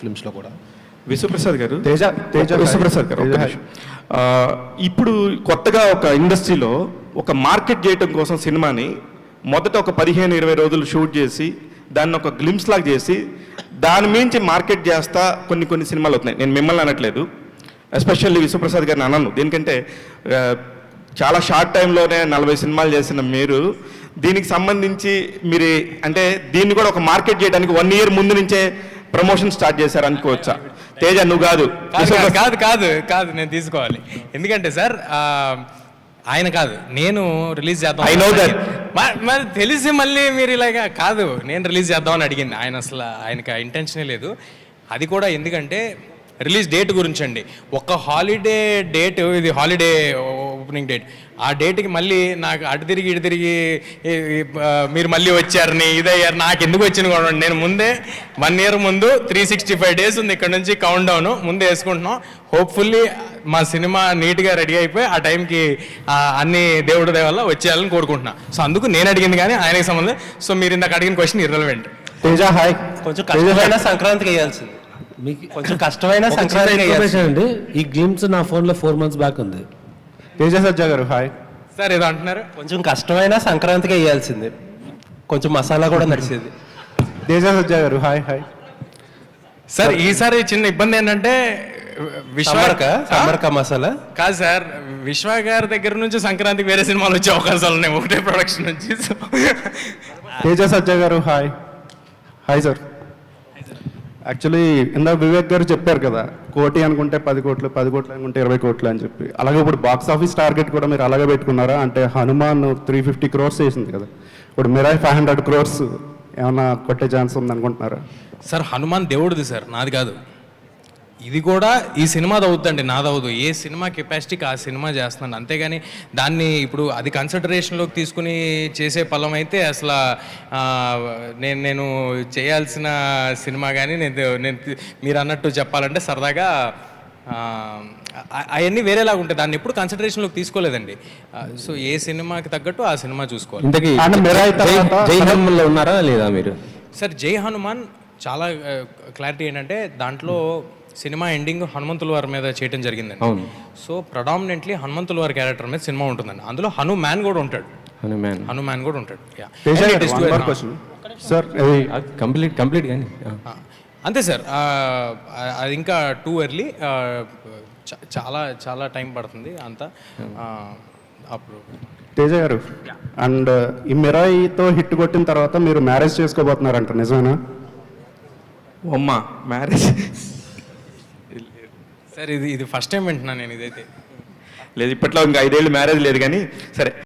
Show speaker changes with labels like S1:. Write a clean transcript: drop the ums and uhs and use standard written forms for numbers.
S1: ఫిల్మ్స్లో కూడా.
S2: విశ్వప్రసాద్ గారు,
S1: విశ్వప్రసాద్ గారు,
S2: ఇప్పుడు కొత్తగా ఒక ఇండస్ట్రీలో ఒక మార్కెట్ చేయడం కోసం సినిమాని మొదట ఒక 15-20 రోజులు షూట్ చేసి దాన్ని ఒక గ్లిమ్స్ లాగా చేసి దాని మించి మార్కెట్ చేస్తా కొన్ని సినిమాలు అవుతున్నాయి. నేను మిమ్మల్ని అనట్లేదు, ఎస్పెషల్లీ విశ్వప్రసాద్ గారిని అనను. దేనికంటే చాలా షార్ట్ టైంలోనే 40 సినిమాలు చేసిన మీరు దీనికి సంబంధించి మీరు అంటే దీన్ని కూడా ఒక మార్కెట్ చేయడానికి 1 year ముందు నుంచే ప్రమోషన్ స్టార్ట్ చేశారు అనుకోవచ్చా? తేజ నువ్వు కాదు
S3: కాదు నేను తీసుకోవాలి. ఎందుకంటే సార్ ఆయన కాదు, నేను రిలీజ్ చేద్దాం.
S2: I know that.
S3: మరి తెలిసి మళ్ళీ మీరు ఇలాగా కాదు, నేను రిలీజ్ చేద్దామని అడిగింది ఆయన. అసలు ఆయనకి ఇంటెన్షనే లేదు. అది కూడా ఎందుకంటే రిలీజ్ డేట్ గురించి అండి. ఒక హాలిడే డేట్, ఇది హాలిడే ఓపెనింగ్ డేట్, ఆ డేట్కి మళ్ళీ నాకు అటు తిరిగి ఇటు తిరిగి మీరు మళ్ళీ వచ్చారని ఇదయ్యారు. నాకు ఎందుకు వచ్చింది కూడా నేను ముందే 1 year ముందు 365 days ఉంది ఇక్కడ నుంచి కౌంట్ డౌన్ ముందే వేసుకుంటున్నాం. హోప్ఫుల్లీ మా సినిమా నీట్గా రెడీ అయిపోయి ఆ టైంకి అన్ని దేవుడి దయ వల్ల వచ్చేయాలని కోరుకుంటున్నా. సో అందుకు నేను అడిగింది కానీ ఆయనకి సంబంధం. సో మీరు ఇందాక అడిగిన క్వశ్చన్ ఇర్రెలవెంట్.
S1: తేజ హాయ్.
S4: కొంచెం కష్టమైన సంక్రాంతికి వేయాల్సింది, మీకు కొంచెం కష్టమైన సంక్రాంతికి
S5: అండి. ఈ గ్లిమ్స్ నా ఫోన్లో 4 months బ్యాక్ ఉంది.
S1: తేజ సజ్జా గారు హాయ్.
S3: సార్ ఏదో అంటున్నారు.
S4: కొంచెం కష్టమైన సంక్రాంతికి వేయాల్సింది, కొంచెం మసాలా కూడా నడిచేది.
S1: తేజ సజ్జా గారు హాయ్ హాయ్.
S3: సార్ ఈసారి చిన్న ఇబ్బంది ఏంటంటే
S4: సమర్క మసాలా
S3: కాదు సార్, విశ్వ గారి దగ్గర నుంచి సంక్రాంతికి వేరే సినిమాలు వచ్చే అవకాశాలు ఉన్నాయి ఒకటే ప్రొడక్షన్ నుంచి.
S1: తేజ సజ్జా గారు హాయ్. Hi sir. యాక్చువల్లీ ఇందాక వివేక్ గారు చెప్పారు కదా, 1 కోటి అనుకుంటే 10 కోట్లు, 10 కోట్లు అనుకుంటే 20 కోట్లు అని చెప్పి. అలాగే ఇప్పుడు బాక్స్ ఆఫీస్ టార్గెట్ కూడా మీరు అలాగే పెట్టుకున్నారా? అంటే హనుమాన్ 350 crores చేసింది కదా, ఇప్పుడు మిరాయ్ 500 crores ఏమన్నా కొట్టే ఛాన్స్ ఉంది అనుకుంటున్నారా?
S3: సార్ హనుమాన్ దేవుడిది సార్, నాది కాదు. ఇది కూడా ఈ సినిమాది అవుతుందండి, నాది అవ్వదు. ఏ సినిమా కెపాసిటీకి ఆ సినిమా చేస్తున్నాను, అంతేగాని దాన్ని ఇప్పుడు అది కన్సిడరేషన్లోకి తీసుకుని చేసే పలం అయితే అసలు నేను చేయాల్సిన సినిమా కానీ నేను మీరు అన్నట్టు చెప్పాలంటే సరదాగా అవన్నీ వేరేలాగా ఉంటాయి. దాన్ని ఎప్పుడు కన్సిడరేషన్లోకి తీసుకోలేదండి. సో ఏ సినిమాకి తగ్గట్టు ఆ సినిమా చూసుకోవాలి.
S5: జై హనుమాన్లో ఉన్నారా లేదా మీరు?
S3: సార్ జై హనుమాన్ చాలా క్లారిటీ ఏంటంటే దాంట్లో సినిమా ఎండింగ్ హనుమంతుల వారి మీద చేయడం జరిగిందండి. సో ప్రొడామినెంట్లీ హనుమంతుల వారి క్యారెక్టర్ మీద సినిమా ఉంటుందండి. అందులో హనుమాన్ కూడా ఉంటాడు. హనుమాన్ కూడా ఉంటాడు.
S5: కంప్లీట్ కానీ
S3: అంతే సార్. అది ఇంకా టూ ఎర్లీ, చాలా టైం పడుతుంది అంతా. అప్పుడు
S1: తేజ గారు, అండ్ ఈ మిరాయితో హిట్ కొట్టిన తర్వాత మీరు మ్యారేజ్ చేసుకోబోతున్నారంట, నిజమేనా?
S2: అమ్మా మ్యారేజ్
S3: సార్ ఇది ఫస్ట్ టైం వింటున్నాను నేను. ఇదైతే
S2: లేదు, ఇప్పట్లో ఇంకా 5 ఏళ్ళు మ్యారేజ్ లేదు కానీ సరే.